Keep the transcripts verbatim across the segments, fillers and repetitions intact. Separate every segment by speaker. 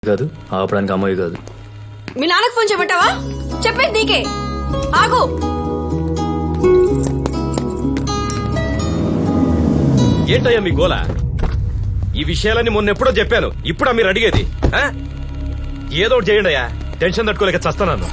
Speaker 1: కాదు ఆపడానికి అమ్మాయి కాదు.
Speaker 2: మీ నాన్నకు ఫోన్ చేయమంటావా? చెప్పేది నీకే. ఆగు.
Speaker 3: ఏంటయ్యా మీ గోల? ఈ విషయాలన్నీ మొన్న ఎప్పుడో చెప్పాను, ఇప్పుడా మీరు అడిగేది? ఆ? ఏదో ఒకటి చేయండి అయ్యా, టెన్షన్ తట్టుకోలేక చస్తాను.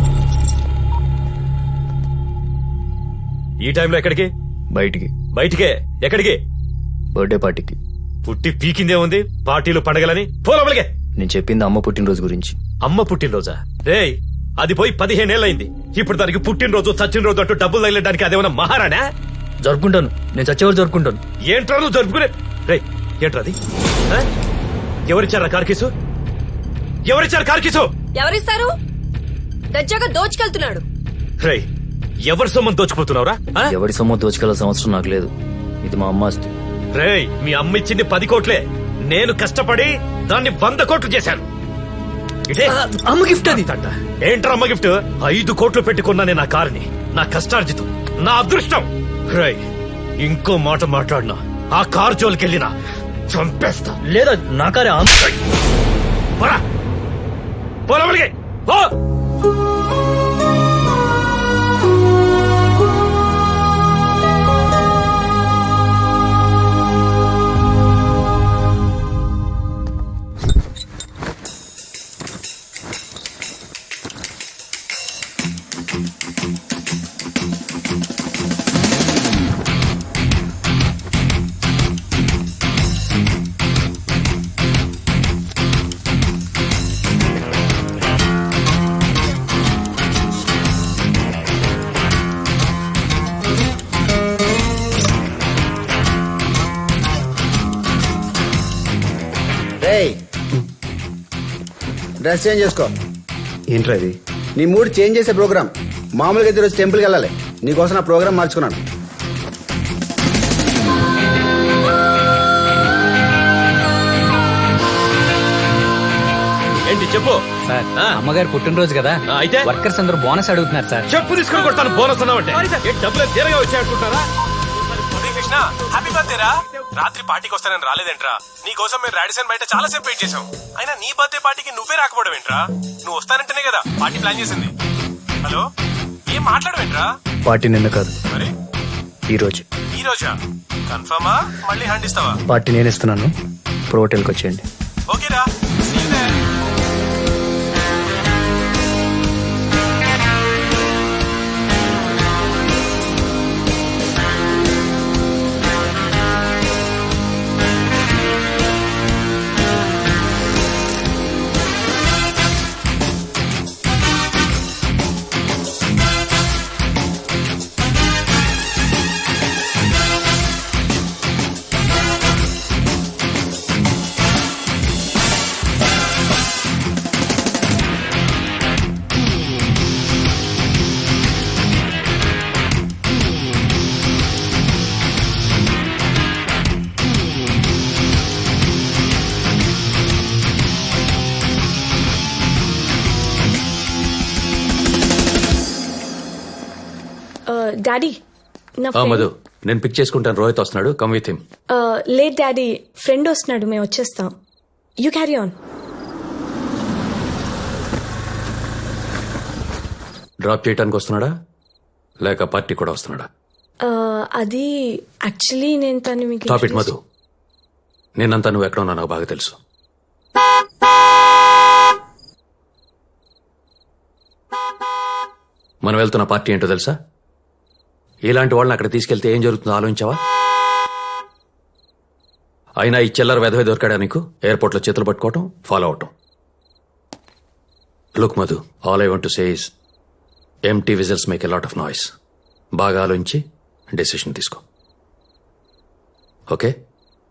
Speaker 3: ఈ టైంలో ఎక్కడికి?
Speaker 1: బయటికి.
Speaker 3: బయటికే? ఎక్కడికి?
Speaker 1: బర్త్డే పార్టీకి.
Speaker 3: పుట్టి పీకిందే ఉంది, పార్టీలు పండగలని. పోలవలిగే.
Speaker 1: నేను చెప్పింది అమ్మ పుట్టినరోజు గురించి.
Speaker 3: అమ్మ పుట్టినరోజా? రేయ్, అది పోయి పదిహేనేళ్ళయింది. ఇప్పుడు దానికి పుట్టినరోజు చచ్చిన అంటూ డబ్బులు తగిలడానికి అదేమన్నా మహారాణా?
Speaker 1: జరుపుకుంటాను, నేను చచ్చేవారు జరుపుకుంటాను.
Speaker 3: ఏంట్రా నువ్వు జరుపుకునే? రేయ్, ఏంట్రది? ఎవరిచ్చారా కార్కీసు? ఎవరిచ్చారు కార్కీసు?
Speaker 2: ఎవరిస్తారు? దజ్జాగా దోచుకెళ్తున్నాడు.
Speaker 3: రేయ్, ఎవరి సొమ్మని దోచుకుపోతున్నావురా?
Speaker 1: ఎవరి సొమ్ము దోచుకెళ్లాల్సిన అవసరం నాకు లేదు. ఇది మా అమ్మ ఆస్తి.
Speaker 3: రేయ్, మీ అమ్మ ఇచ్చింది పది కోట్లే. నేను కష్టపడి దాన్ని వంద కోట్లు చేశాను. ఇదే
Speaker 1: అమ్మ గిఫ్ట్. అది
Speaker 3: ఏంట్రా అమ్మ గిఫ్ట్? ఐదు కోట్లు పెట్టుకున్నానే నా కారుని. నా కష్టార్జితం, నా అదృష్టం. రేయ్, ఇంకో మాట మాట్లాడినా, ఆ కారు జోలికెళ్ళినా చంపేస్తా.
Speaker 1: లేదా నా కారే.
Speaker 3: పోరా, పోరా వెలిగే. పో.
Speaker 4: డ్రెస్ చేంజ్ చేసుకో.
Speaker 5: ఏంట్రా ఇది?
Speaker 4: నీ మూడ్ చేంజ్ చేసే ప్రోగ్రామ్. మామూలుగా అయితే ఈరోజు టెంపుల్కి వెళ్ళాలి, నీకోసం నా ప్రోగ్రామ్ మార్చుకున్నాను.
Speaker 3: ఏంటి చెప్పు.
Speaker 5: సార్,
Speaker 3: ఆ.
Speaker 5: అమ్మగారు పుట్టినరోజు కదా,
Speaker 3: ఆ, అయితే
Speaker 5: వర్కర్స్ అందరూ బోనస్ అడుగుతున్నారు సార్.
Speaker 3: చెప్పు తీసుకుని కొడతాను. బోనస్ అన్నావంటే ఏ డబ్బులు తీరగా వచ్చాయనుకుంటారా?
Speaker 6: కృష్ణ, హ్యాపీ బర్త్డే రా. రాత్రి పార్టీకి వస్తానని రాలేదేంట్రా? నీ కోసం మేము రాడిసన్ బయట చాలా సేపు వెయిట్ చేసాం. అయినా నీ బర్త్డే పార్టీకి నువ్వే రాకపోవడం ఏంట్రా? నువ్వు వస్తానంటేనే కదా పార్టీ ప్లాన్ చేసింది. హలో, ఏం మాట్లాడవేంట్రా?
Speaker 1: పార్టీ నిన్న కాదు,
Speaker 6: మరి
Speaker 1: ఈ రోజు.
Speaker 6: ఈ రోజా? కన్ఫర్మా? మళ్ళీ హ్యాండ్ ఇస్తావా?
Speaker 1: పార్టీ నేను ఇస్తున్నాను, ప్రో హోటల్కి వచ్చేయండి.
Speaker 6: ఓకేరా, see you there.
Speaker 2: డాడీ, నా
Speaker 7: మధు, నేను పిక్ చేసుకుంటాను. రోహిత్ వస్తున్నాడు, come with him.
Speaker 2: Late daddy, friend వస్తున్నాడు, మేము వచ్చేస్తాం. You carry on.
Speaker 7: డ్రాప్ చేయడానికి వస్తున్నాడా లేక పార్టీ కూడా వస్తున్నాడా?
Speaker 2: అది యాక్చువల్లీ నేను తను మీకు
Speaker 7: టాప్ ఇట్ మధు, నేనంతా నువ్వు ఎక్కడ ఉన్నా నాకు బాగా తెలుసు. మనం వెళ్తున్న పార్టీ ఏంటో తెలుసా? ఇలాంటి వాళ్ళని అక్కడ తీసుకెళ్తే ఏం జరుగుతుందో ఆలోచించావా? అయినా ఈ చిల్లర వెధవే దొరికాడా నీకు? ఎయిర్పోర్ట్ లో చేతులు పట్టుకోవటం, ఫాలో అవటం. Look Madhu, all I want to say is empty vessels make a lot of noise. బాగా ఆలోచించి డెసిషన్ తీసుకో, ఓకే?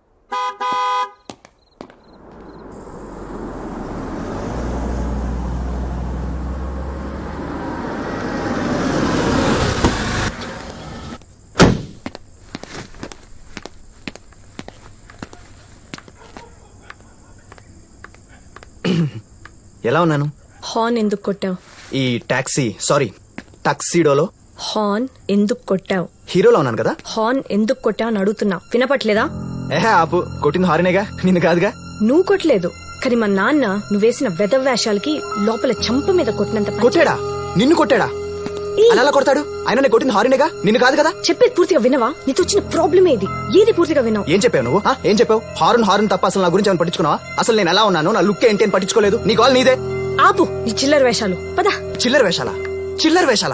Speaker 5: ఎలా ఉన్నాను?
Speaker 2: హార్న్ ఎందుకు కొట్టావు?
Speaker 5: ఈ టాక్సీ సారీ టక్సీడోలో
Speaker 2: హార్న్ ఎందుకు కొట్టావు?
Speaker 5: హీరోలో ఉన్నాను కదా.
Speaker 2: హార్న్ ఎందుకు కొట్టావు అని అడుగుతున్నా, వినపట్లేదా?
Speaker 5: ఏహే ఆపు, కొట్టింది హారినేగా, నిన్ను కాదుగా.
Speaker 2: నువ్వు కొట్టలేదు, కానీ మా నాన్న నువ్వేసిన వెదవ వేషాలకి లోపల చంప మీద కొట్టినంత పని
Speaker 5: కొట్టాడా నిన్ను కొట్టాడా
Speaker 2: ఈ,
Speaker 5: అలా ఎలా కొడతాడు ఆయన నేను కొట్టింది హారినేగా నిన్ను కాదు కదా
Speaker 2: చెప్పేది పూర్తిగా వినవా? నీతో వచ్చిన ప్రాబ్లమ్ ఏది? ఏది పూర్తిగా వినవు?
Speaker 5: ఏం చెప్పావు నువ్వు ఆ? ఏం చెప్పావు హారన్ హారన్ తప్ప అసలు నా గురించి ఏమైనా పట్టించుకున్నావా? అసలు నేను ఎలా ఉన్నాను నా లుక్ ఏంటి అని పట్టించుకోలేదు. నీ కాల్ నీదే.
Speaker 2: ఆపు నీ చిల్లర వేషాలు. పదా.
Speaker 5: చిల్లర వేషాలా చిల్లర వేషాలా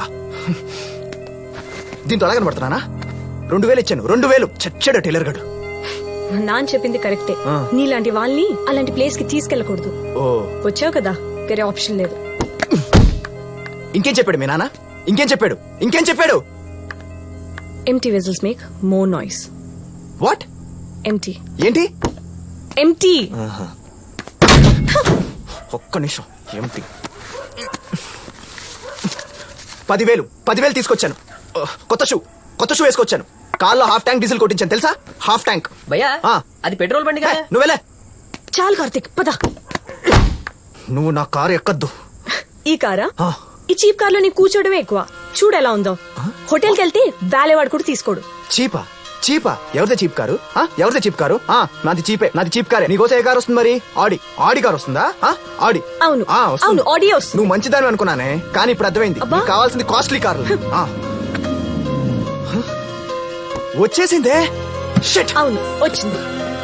Speaker 5: దీంతో ఎలా కనబడుతున్నానా? రెండు వేలు ఇచ్చాను రెండు వేలు చచ్చాడు టైలర్ గడు.
Speaker 2: మా నాన్న చెప్పింది కరెక్టే.
Speaker 5: ఆ.
Speaker 2: నీలాంటి వాళ్ళని అలాంటి ప్లేస్ కి తీసుకెళ్ళకూడదు.
Speaker 5: ఓ
Speaker 2: వచ్చావు కదా, వేరే ఆప్షన్ లేదు.
Speaker 5: ఇంకేం చెప్పాడు మీ నాన్న? ఇంకేం చెప్పాడు ఇంకేం చెప్పాడు?
Speaker 2: Empty vessels make more noise.
Speaker 5: What?
Speaker 2: Empty
Speaker 5: ఏంటి?
Speaker 2: ఎంటీ
Speaker 5: ఒక్క నిమిషం ఏమిటి? పదివేలు పదివేలు తీసుకొచ్చాను. కొత్త షూ కొత్త షూ వేసుకొచ్చాను. కార్లో హాఫ్ ట్యాంక్ డీజిల్ కొట్టించాను తెలుసా? Half tank.
Speaker 8: భయ్యా
Speaker 5: ఆ.
Speaker 8: అది పెట్రోల్ బండి కదా.
Speaker 5: నువ్వెలే.
Speaker 2: చాలు కార్తిక్, పద.
Speaker 5: నువ్వు నా కారు ఎక్కద్దు.
Speaker 2: ఈ కారా?
Speaker 5: ఆ.
Speaker 2: ఈ చీప్ కార్ లో నీ కూర్చోవడమే ఎక్కువ. చూడు ఎలా ఉందో. హోటల్కి వెళ్తే వాలేవాడు కూడా తీసుకోడు.
Speaker 5: చీపా చీపా ఎవరిదే చీప్ కారు? ఆ? ఎవరిదే చీప్ కారు? ఆ, నాది చీపే నాది చీప్ కారే. నీకోసం ఏ కారు వస్తుంది మరి? ఆడి ఆడి కారు వస్తుందా? ఆ? ఆడి.
Speaker 2: అవును
Speaker 5: ఆ, వస్తుంది.
Speaker 2: అవును ఆడియో వస్తుంది.
Speaker 5: నువ్వు మంచిదాని అనుకున్నానే కానీ ఇప్పుడు అర్థమైంది.
Speaker 2: అబ్బా.
Speaker 5: నీకు కావాల్సింది కాస్ట్లీ కార్లు. ఆ. హ? వచ్చేసిందే. షిట్.
Speaker 2: అవును వచ్చింది.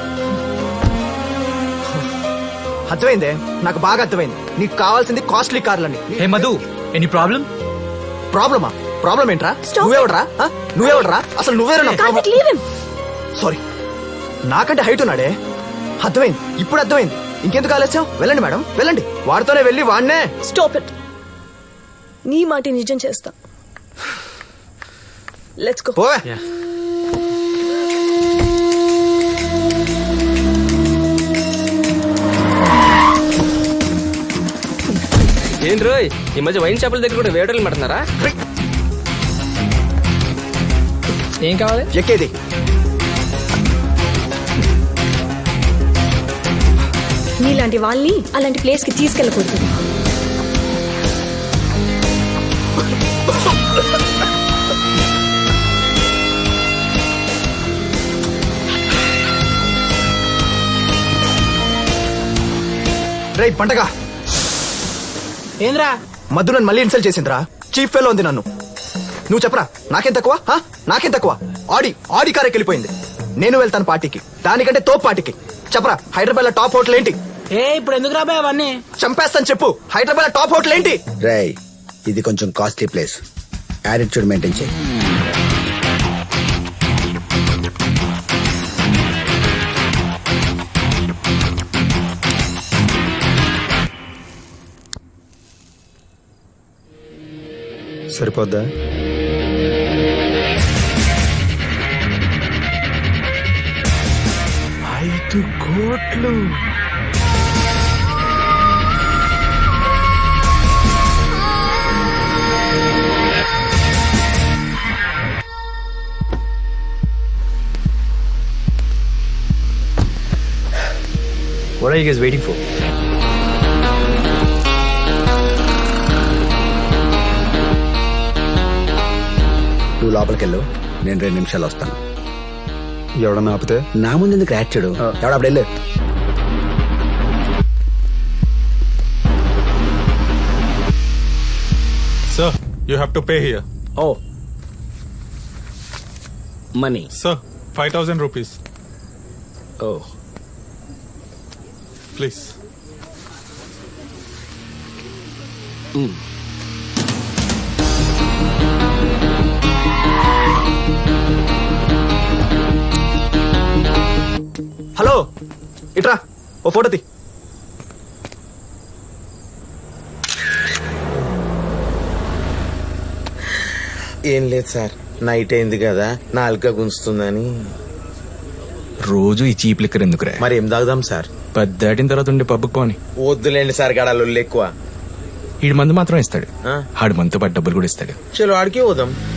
Speaker 5: అర్థమైందే నాకు బాగా అర్థమైంది. నీకు కావాల్సింది కాస్ట్లీ కార్లని.
Speaker 9: Hey Madhu any problem?
Speaker 5: ప్రాబ్లమా? ప్రాబ్లం ఏంట్రా?
Speaker 2: Stop.
Speaker 5: నువ్వెవడరా? ఆ? నువ్వెవడరా? అసలు నువ్వేరా?
Speaker 2: Karthik leave him.
Speaker 5: సారీ నాకంటే హైట్ ఉన్నాడే. అర్థమైంది ఇప్పుడు అర్థమైంది. ఇంకెందుకు ఆలస్యం? వెళ్ళండి మేడం వెళ్ళండి. వాడితోనే వెళ్ళి వాడినే.
Speaker 2: Stop it. నీ మాట నిజం చేస్తా. Let's go.
Speaker 5: పోవే.
Speaker 8: ఏంటి రోయ్ ఈ మధ్య వైన్ షాపుల దగ్గర కూడా వేటర్లు పెడుతున్నారా? ఏం కావాలి?
Speaker 5: ఎక్కేది
Speaker 2: నీలాంటి వాళ్ళని అలాంటి ప్లేస్ కి తీసుకెళ్ళకూడదు.
Speaker 5: రే పంటగా
Speaker 8: ఏంద్రా?
Speaker 5: మధు నన్ను మళ్ళీ ఇన్సల్ట్ చేసిందిరా. చీఫ్ ఫెలో ఉంది నన్ను. నువ్వు చెప్పరా నాకేం తక్కువ? ఆ? నాకేం తక్కువ? ఆడి ఆడి కారెక్కి వెళ్ళిపోయింది. నేను వెళ్తాను పార్టీకి, దానికంటే తోపు పార్టీకి. చెప్పరా హైదరాబాద్ లో టాప్ హోటల్ ఏంటి?
Speaker 8: ఏ ఇప్పుడు ఎందుకు రాబాయ్ అవన్నీ?
Speaker 5: చంపేస్తాను చెప్పు. హైదరాబాద్ లో టాప్ హోటల్ ఏంటి?
Speaker 4: రేయ్ ఇది కొంచెం కాస్ట్లీ ప్లేస్. యాటిట్యూడ్ మెయింటైన్ చేయి. సరిపోద్దా?
Speaker 5: ఐదు కోట్లు.
Speaker 1: What are you guys waiting for?
Speaker 4: నువ్వు లోపలికి వెళ్ళు, నేను రెండు నిమిషాలు వస్తాను.
Speaker 5: ఎవడన్నా ఆపితే
Speaker 4: నా ముందు ఎందుకు యాక్చుడు? ఎవడ అప్పుడు వెళ్ళు.
Speaker 6: Sir, you have to pay here.
Speaker 8: Oh. Money.
Speaker 6: Sir, five thousand rupees.
Speaker 8: Oh.
Speaker 6: Please.
Speaker 5: Hello ఇట్రా ఓ ఫోటో తీ.
Speaker 10: ఏం లేదు సార్, నైట్ అయింది కదా నాలుక గుంజుతుందని.
Speaker 9: రోజు ఈ చీప్ లిక్కర్ ఎందుకురా?
Speaker 10: మరి ఏం తాగుదాం సార్?
Speaker 9: పది దాటిన తర్వాత ఉండే పబ్బుకి పోని.
Speaker 10: వద్దులేండి సార్, గడాలు ఎక్కువ.
Speaker 9: ఈడు మందు మాత్రం ఇస్తాడు.
Speaker 10: ఆ?
Speaker 9: ఆడు మనతో పాటు డబ్బులు కూడా ఇస్తాడు.
Speaker 10: చలో ఆడికి పోదాం.